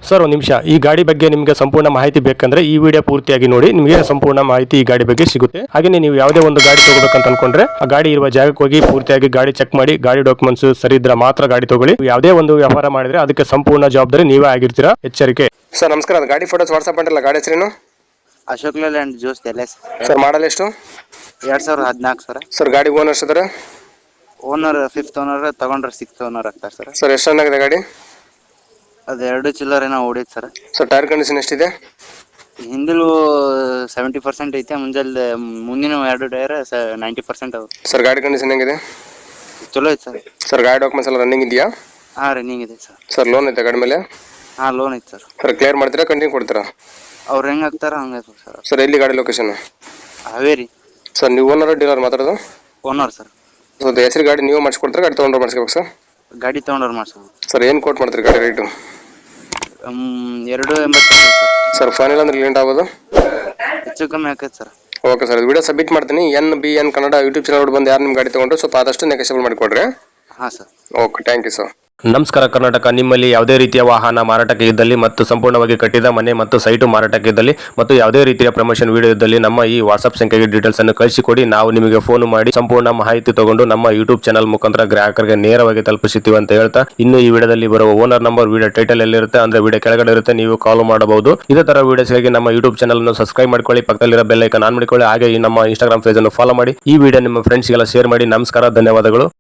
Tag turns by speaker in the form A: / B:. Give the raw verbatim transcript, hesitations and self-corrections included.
A: Sir ಒಂದು ನಿಮಿಷ, ಈ ಗಾಡಿ ಬಗ್ಗೆ ನಿಮಗೆ ಸಂಪೂರ್ಣ ಮಾಹಿತಿ ಬೇಕಂದ್ರೆ ಈ ವಿಡಿಯೋ ಪೂರ್ತಿಯಾಗಿ ನೋಡಿ, ನಿಮಗೆ ಸಂಪೂರ್ಣ ಮಾಹಿತಿ ಈ ಗಾಡಿ ಬಗ್ಗೆ ಸಿಗುತ್ತೆ. ಹಾಗೆ ನೀವು ಯಾವುದೇ ಒಂದು ಗಾಡಿ ತಗೋಬೇಕಂತ ಅನ್ಕೊಂಡ್ರೆ ಆ ಗಾಡಿ ಇರುವ ಜಾಗಕ್ಕೆ ಹೋಗಿ ಪೂರ್ತಿಯಾಗಿ ಗಾಡಿ ಚೆಕ್ ಮಾಡಿ, ಗಾಡಿ ಡಾಕ್ಯುಮೆಂಟ್ಸ್ ಸರಿ ಇದ್ರೆ ಮಾತ್ರ ಗಾಡಿ ತಗೊಳ್ಳಿ. ಯಾವುದೇ ಒಂದು ವ್ಯವಹಾರ ಮಾಡಿದ್ರೆ ಅದಕ್ಕೆ ಸಂಪೂರ್ಣ ಜವಾಬ್ದಾರಿ ನೀವೇ ಆಗಿರ್ತೀರಾ, ಎಚ್ಚರಿಕೆ. ಸರ್ ನಮಸ್ಕಾರ, ಗಾಡಿ ಫೋಟೋಸ್ ವಾಟ್ಸ್ಆಪ್ ಮಾಡಿರಲ್ಲ, ಗಾಡಿ ಹೆಸರೇನು?
B: ಅಶೋಕ್ ಲೇಲ್ಯಾಂಡ್ ಜ್ಯೂಸ್ ಎಲ್ ಎಸ್.
A: ಸರ್ ಮಾಡಲ್ ಎಷ್ಟು?
B: ಎರಡ್ ಸಾವಿರದ ಹದಿನಾಲ್ಕು ಸರ್.
A: ಸರ್ ಗಾಡಿ ಓನರ್ಸ್ ಇದಾರೆ?
B: ಓನರ್ ಫಿಫ್ತ್ ಓನರ್, ತಗೊಂಡ್ರೆ ಸಿಕ್ಸ್ ಓನರ್ ಆಗ್ತಾರೆ ಸರ್.
A: ಸರ್ ಎಷ್ಟು ರನ್ ಆಗಿದೆ ಗಾಡಿ?
B: ಅದು ಎರಡು ಚಿಲ್ಲರೇನೋ ಓಡಿತ್ತು ಸರ್.
A: ಸರ್ ಟೈರ್ ಕಂಡೀಷನ್ ಎಷ್ಟಿದೆ?
B: ಹಿಂದಿಲು ಸೆವೆಂಟಿ ಪರ್ಸೆಂಟ್ ಐತೆ, ಮುಂಜಾನೆ ಮುಂದಿನ ಎರಡು ಟೈರ್ ನೈಂಟಿ ಪರ್ಸೆಂಟ್ ಅವು.
A: ಸರ್ ಗಾಡಿ ಕಂಡೀಷನ್ ಹೆಂಗಿದೆ?
B: ಚಲೋ ಐತೆ ಸರ್.
A: ಸರ್ ಗಾಡಿ ಡಾಕ್ಯುಮೆಂಟ್ಸ್ ಎಲ್ಲ ರನ್ನಿಂಗ್ ಇದೆಯಾ?
B: ಹಾಂ ರನ್ನಿಂಗ್ ಇದೆ ಸರ್.
A: ಸರ್ ಲೋನ್ ಐತೆ ಗಾಡಿ ಮೇಲೆ?
B: ಹಾಂ ಲೋನ್ ಐತೆ ಸರ್.
A: ಸರ್ ಕ್ಲಿಯರ್ ಮಾಡ್ತೀರಾ, ಕಂಟಿನ್ಯೂ ಕೊಡ್ತೀರಾ?
B: ಅವ್ರು ಹೆಂಗೆ ಹಾಕ್ತಾರ ಹಂಗೆ ಸರ್.
A: ಸರ್ ಎಲ್ಲಿ ಗಾಡಿ ಲೊಕೇಶನ್?
B: ಹಾವೇರಿ.
A: ಸರ್ ನೀವು ಓನರ್ ಡೀಲರ್ ಮಾತಾಡೋದು?
B: Owner sir.
A: ಸೊ ಹೆಸರು ಗಾಡಿ ನೀವು ಮಾಡಿಸ್ಕೊಡ್ತಾರೆ, ಗಾಡಿ ತೊಗೊಂಡ್ರೆ ಮಾಡಿಸ್ಕೋಬೇಕು ಸರ್?
B: ಗಾಡಿ ತೊಗೊಂಡ್ರೆ ಮಾಡಿಸ್ಬೋದು
A: ಸರ್. ಏನು ಕೋಟ್ ಮಾಡ್ತೀರಿ ಗಾಡಿ ರೇಟು?
B: ಎರಡು ಎಂಬತ್ತು ಸರ್.
A: ಸರ್ ಫೈನಲ್ ಅಂದ್ರೆ ಲೇಟ್ ಆಗೋದು?
B: ಹೆಚ್ಚು ಕಮ್ಮಿ ಆಕೈತೆ sir.
A: Okay sir, video submit ಮಾಡ್ತೀನಿ. N B N Kannada YouTube channel ಬಂದು ಯಾರು ನಿಮ್ಮ ಗಾಡಿ ತೊಗೊಂಡ್ರೆ ಸ್ವಲ್ಪ ಆದಷ್ಟು ನೆಗೆಸಬಲ್ ಮಾಡಿಕೊಡ್ರಿ.
B: ಹಾಂ sir.
A: Okay, thank you sir. ನಮಸ್ಕಾರ ಕರ್ನಾಟಕ. ನಿಮ್ಮಲ್ಲಿ ಯಾವುದೇ ರೀತಿಯ ವಾಹನ ಮಾರಾಟಕ್ಕೆ ಇದ್ದಲ್ಲಿ ಮತ್ತು ಸಂಪೂರ್ಣವಾಗಿ ಕಟ್ಟಿದ ಮನೆ ಮತ್ತು ಸೈಟು ಮಾರಾಟಕ್ಕೆ ಇದ್ದಲ್ಲಿ ಮತ್ತು ಯಾವುದೇ ರೀತಿಯ ಪ್ರಮೋಷನ್ ವಿಡಿಯೋ ಇದ್ದಲ್ಲಿ ನಮ್ಮ ಈ ವಾಟ್ಸ್ಆಪ್ ಸಂಖ್ಯೆಗೆ ಡೀಟೇಲ್ಸ್ ಅನ್ನು ಕಳಿಸಿಕೊಡಿ. ನಾವು ನಿಮಗೆ ಫೋನ್ ಮಾಡಿ ಸಂಪೂರ್ಣ ಮಾಹಿತಿ ತಗೊಂಡು ನಮ್ಮ ಯೂಟ್ಯೂಬ್ ಚಾನಲ್ ಮುಖಾಂತರ ಗ್ರಾಹಕರಿಗೆ ನೇರವಾಗಿ ತಲುಪಿಸುತ್ತೀವಿ ಅಂತ ಹೇಳ್ತಾ, ಇನ್ನು ಈ ವಿಡಿಯೋದಲ್ಲಿ ಬರುವ ಓನರ್ ನಂಬರ್ ವಿಡಿಯೋ ಟೈಟಲ್ ಎಲ್ಲಿರುತ್ತೆ ಅಂದ್ರೆ ವಿಡಿಯೋ ಕೆಳಗಡೆ ಇರುತ್ತೆ, ನೀವು ಕಾಲ್ ಮಾಡಬಹುದು. ಇದೇ ತರ ವಿಡಿಯೋಸ್ಗಾಗಿ ನಮ್ಮ ಯೂಟ್ಯೂಬ್ ಚಾನಲ್ ಅನ್ನು ಸಬ್ಸ್ಕ್ರೈಬ್ ಮಾಡ್ಕೊಳ್ಳಿ, ಪಕ್ಕದಲ್ಲಿರೋ ಬೆಲ್ ಐಕಾನ್ ಆನ್ ಮಾಡಿಕೊಳ್ಳಿ. ಹಾಗೆ ಈ ನಮ್ಮ ಇನ್ಸ್ಟಾಗ್ರಾಮ್ ಪೇಜ್ ಅನ್ನು ಫಾಲೋ ಮಾಡಿ. ಈ ವಿಡಿಯೋ ನಿಮ್ಮ ಫ್ರೆಂಡ್ಸ್ಗೆಲ್ಲ ಶೇರ್ ಮಾಡಿ. ನಮಸ್ಕಾರ, ಧನ್ಯವಾದಗಳು.